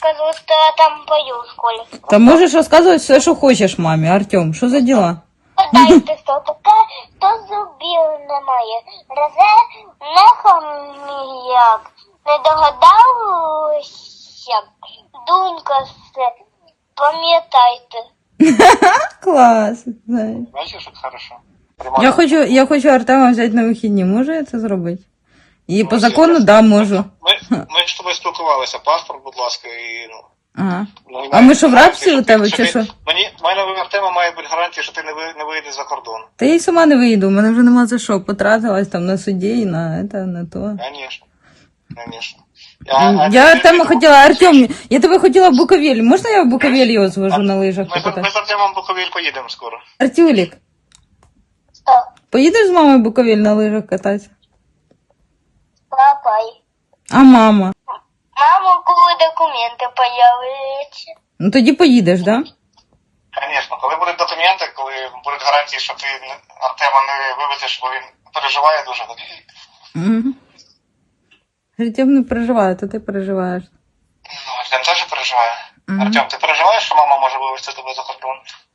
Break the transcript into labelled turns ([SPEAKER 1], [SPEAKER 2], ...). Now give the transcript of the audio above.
[SPEAKER 1] рассказывать, что я там пою в школе.
[SPEAKER 2] Та можеш розказувати все, що хочеш мамі. Артем, що за діла?
[SPEAKER 1] Дайте, що таке, то зубів немає. Резе не хом'як. Не догадався. Дунька все. Пам'ятайте.
[SPEAKER 2] Клас. Знаєш.
[SPEAKER 3] Бачиш, як хорошо.
[SPEAKER 2] Я хочу Артема взяти на вихідні. Можу я це зробити? І по
[SPEAKER 3] Ну,
[SPEAKER 2] закону,
[SPEAKER 3] все.
[SPEAKER 2] да, можу.
[SPEAKER 3] Ми ж з тобою спілкувалися. Паспорт, будь ласка, і ну.
[SPEAKER 2] Ага.
[SPEAKER 3] Ну,
[SPEAKER 2] А ми що, в рабстві
[SPEAKER 3] гарантії,
[SPEAKER 2] у тебе,
[SPEAKER 3] що
[SPEAKER 2] чи
[SPEAKER 3] ти-
[SPEAKER 2] що?
[SPEAKER 3] В мене в Артема має бути гарантія, що ти не вийдеш за кордон.
[SPEAKER 2] Та я й сама не виїду, у мене вже нема за що. Потратилась там на суді і на то.
[SPEAKER 3] Конечно. Конечно.
[SPEAKER 2] Я Артема хотіла, Артем, я тебе хотіла в Буковель. Можна я в Буковель його звожу на лижах
[SPEAKER 3] Ми
[SPEAKER 2] покатати?
[SPEAKER 3] з Артемом в Буковель поїдемо скоро.
[SPEAKER 2] Артюлік,
[SPEAKER 1] Що?
[SPEAKER 2] поїдеш з мамою в Буковель на лижах кататися?
[SPEAKER 1] Папай.
[SPEAKER 2] А мама?
[SPEAKER 1] Мама, коли документи появляться.
[SPEAKER 2] Ну тоді поїдеш, да?
[SPEAKER 3] Звісно, коли будуть документи, коли будуть гарантії, що ти Артема не вивезеш, бо він переживає дуже.
[SPEAKER 2] Угу. Артем не переживає, то ти переживаєш.
[SPEAKER 3] Ну, Артем теж переживає.
[SPEAKER 2] Мгм.
[SPEAKER 3] Артем, ти переживаєш, що мама може вивезти тебе за кордон?